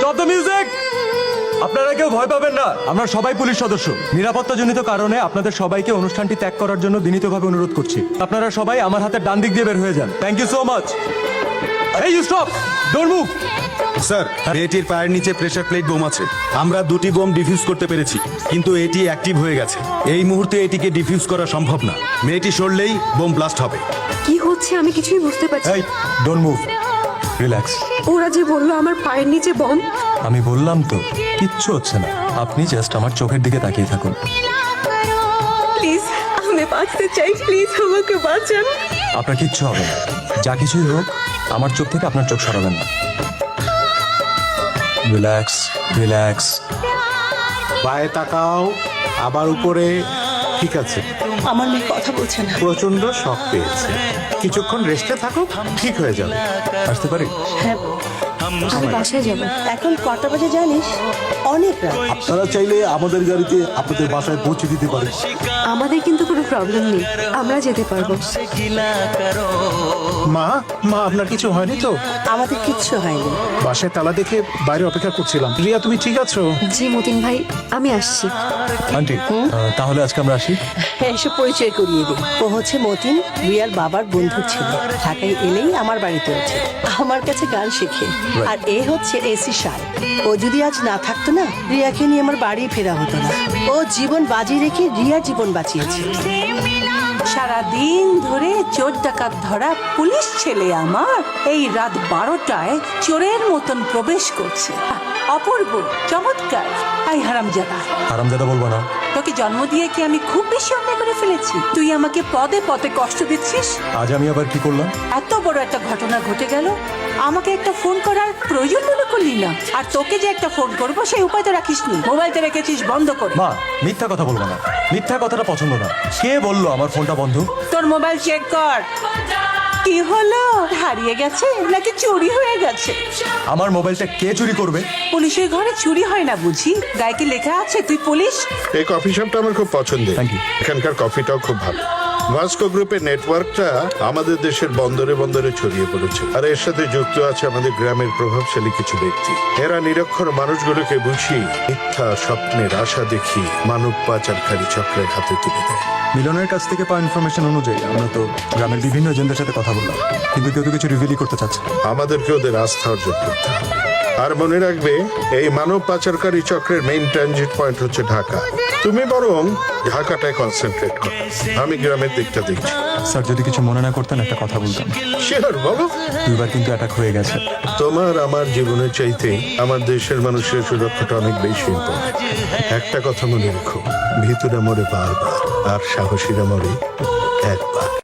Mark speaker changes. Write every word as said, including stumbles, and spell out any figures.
Speaker 1: Stop the music. আপনারা কেউ ভয় পাবেন না, আমরা সবাই পুলিশ সদস্য। নিরাপত্তাজনিত কারণে আপনাদের সবাইকে অনুষ্ঠানটি ত্যাগ করার জন্য বিনীতভাবে অনুরোধ করছি। আপনারা সবাই আমার হাতের ডান দিক দিয়ে বের হয়ে যান। Thank you so much. এই you stop, don't move.
Speaker 2: Sir, মেয়েটির পায়ের নিচে প্রেসার প্লেট বোম আছে। আমরা দুটি বোম ডিফিউজ করতে পেরেছি, কিন্তু এটি অ্যাক্টিভ হয়ে গেছে। এই মুহূর্তে এটিকে ডিফিউজ করা সম্ভব না। মেয়েটি সরলেই বোম ব্লাস্ট হবে।
Speaker 3: কি হচ্ছে আমি কিছুই বুঝতে পারছি
Speaker 1: এই ডোন্ট মুভ, রিল্যাক্স।
Speaker 3: ওরা যে বললো আমার পায়ের নিচে বম।
Speaker 1: আমি বললাম তো কিচ্ছু হচ্ছে না, আপনি জাস্ট আমার চোখের দিকে তাকিয়ে থাকুন।
Speaker 3: প্লিজ আমি বাঁচতে চাই, প্লিজ আমাকে বাঁচান।
Speaker 1: আপনার কিচ্ছু হবে না, যা কিছুই হোক আমার চোখ থেকে আপনার চোখ সরাবেন না। Relax relax.
Speaker 4: পায়ে তাকাও, আবার উপরে। ঠিক আছে,
Speaker 5: আমার মেয়ে কথা বলছে না।
Speaker 4: প্রচন্ড শক পেয়েছে, কিছুক্ষণ রেস্টে থাকো, ঠিক হয়ে যাবে।
Speaker 1: আসতে পারি?
Speaker 5: হ্যাঁ,
Speaker 3: আমি বাসায় যাবো।
Speaker 5: এখন কটা বাজে জানিস? অনেক রাত।
Speaker 6: আপনারা চাইলে আমাদের গাড়িতে আপনাদের বাসায় পৌঁছে দিতে পারে।
Speaker 3: আমাদের কিন্তু কোনো প্রবলেম নেই, আমরা যেতে পারবো।
Speaker 4: মা মা আপনার কিছু হয়নি তো?
Speaker 5: আমাদের কিচ্ছু হয়নি।
Speaker 4: বাসায় তালা দেখে বাইরে অপেক্ষা করছিলাম। রিয়া, তুমি ঠিক আছো?
Speaker 3: জি মতিন ভাই, আমি আসছি।
Speaker 1: আন্টি আহ, তাহলে আজকে আমরা আসি।
Speaker 5: হ্যাঁ, এসে পরিচয় করিয়ে দিই। ও হচ্ছে মতিন, রিয়ার বাবার বন্ধুর ছেলে। ঢাকায় এলেই আমার বাড়িতে ওঠে, আমার কাছে গান শেখে। আর এ হচ্ছে এসি সাল। ও যদি আজ না থাকতো না, রিয়াকে নিয়ে আমার বাড়ি ফেরা হতো না। ও জীবন বাজি রেখে রিয়ার জীবন বাঁচিয়েছে।
Speaker 7: সারা দিন ধরে চোর ডাকাত ধরা পুলিশ ছেলে আমার এই রাত বারোটায় চোরের মতন প্রবেশ করছে। অপূর্ব, চমৎকার। আই হারামজাদা,
Speaker 1: আরামদাদা বলবো না।
Speaker 7: তোকে জন্ম দিয়ে কি আমি খুব বেশি অন্যায় করে ফেলেছি? তুই আমাকে পদে পদে কষ্ট দিচ্ছিস।
Speaker 1: আজ আমি আবার কি করলাম?
Speaker 7: এত বড় একটা ঘটনা ঘটে গেল, আমাকে একটা ফোন করার প্রয়োজন মনে করলি না। আর তোকে যে একটা ফোন করবো সেই উপায় তো রাখিসনি, মোবাইলটা রেখেছিস বন্ধ করে।
Speaker 1: মা, মিথ্যা কথা বলবো না, মিথ্যা কথাটা পছন্দ না। কে বললো আমার ফোনটা বন্ধ?
Speaker 7: তোর মোবাইল চেক কর। কি হলো, হারিয়ে গেছে নাকি চুরি হয়ে গেছে?
Speaker 1: আমার মোবাইলটা কে চুরি করবে?
Speaker 7: পুলিশের ঘরে চুরি হয় না বুঝি? গায়ে কি লেখা আছে তুই পুলিশ?
Speaker 8: এই কফি শপটা আমার খুব পছন্দের।
Speaker 1: Thank you.
Speaker 8: এখানকার কফিটাও খুব ভালো। ভাস্কো গ্রুপের নেটওয়ার্কটা আমাদের দেশের বন্দরে বন্দরে ছড়িয়ে পড়েছে, আর এর সাথে যুক্ত আছে আমাদের গ্রামের প্রভাবশালী কিছু ব্যক্তি। এরা নিরক্ষর মানুষগুলোকে বুঝিয়ে মিথ্যা স্বপ্নের আশা দেখি মানব পাচারকারী চক্রের হাতে তুলে দেয়।
Speaker 1: মিলনের কাছ থেকে পাওয়া ইনফরমেশন অনুযায়ী আমরা তো গ্রামের বিভিন্ন এজেন্টদের সাথে কথা বললাম, কিন্তু কেউ তো কিছু রিভিলই করতে চাচ্ছে না।
Speaker 8: আমাদেরকে ওদের আস্থা অর্জন করতে হবে। আর মনে রাখবে, এই মানব পাচারকারী চক্রের মেইন ট্রানজিট পয়েন্ট হচ্ছে ঢাকা। তুমি বরং ঢাকাটায় কনসেন্ট্রেট করো, আমি গ্রামের দিকটা দেখছি।
Speaker 1: স্যার, যদি কিছু মনে না করতেন একটা কথা বলতাম।
Speaker 8: শিওর, বলো।
Speaker 1: দুইবার কিন্তু অ্যাটাক হয়ে গেছে।
Speaker 8: তোমার আমার জীবনের চাইতে আমার দেশের মানুষের সুরক্ষাটা অনেক বেশি ইম্পর্টেন্ট। একটা কথা মনে রেখো, ভিতরে মরে বারবার, আর সাহসীরা মরে একবার।